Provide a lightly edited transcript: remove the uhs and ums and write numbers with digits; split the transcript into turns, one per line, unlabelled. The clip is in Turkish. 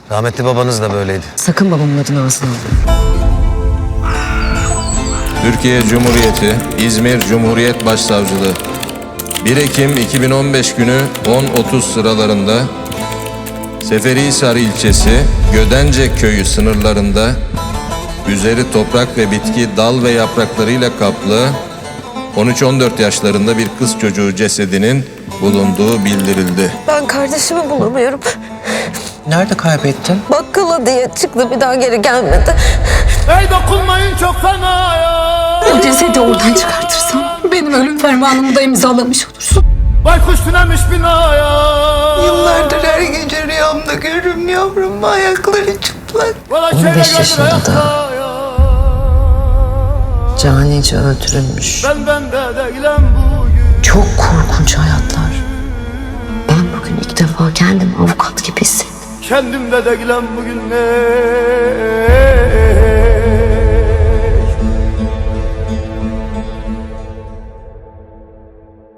Rahmetli babanız da böyleydi.
Sakın babamın adını ağzına alma.
Türkiye Cumhuriyeti İzmir Cumhuriyet Başsavcılığı 1 Ekim 2015 günü 10.30 sıralarında Seferihisar ilçesi Gödence köyü sınırlarında üzeri toprak ve bitki dal ve yapraklarıyla kaplı 13-14 yaşlarında bir kız çocuğu cesedinin bulunduğu bildirildi.
Ben kardeşimi bulamıyorum.
Nerede kaybettin?
Bakkala diye çıktı, bir daha geri gelmedi.
Ey dokunmayın çok fena ya.
O cesedi oradan çıkartırsam benim ölüm fermanımı da imzalamış olursun.
Baykuş tünemiş binaya.
Yıllardır her gece rüyamda görürüm yavrum, ayakları çıplak.
15 yaşında da canice öldürülmüş.
Ben de değilim bugün.
Çok korkunç hayatlar. Ben bugün ilk defa kendimi avukat gibi hissettim.
Kendimde değilim bugün ne?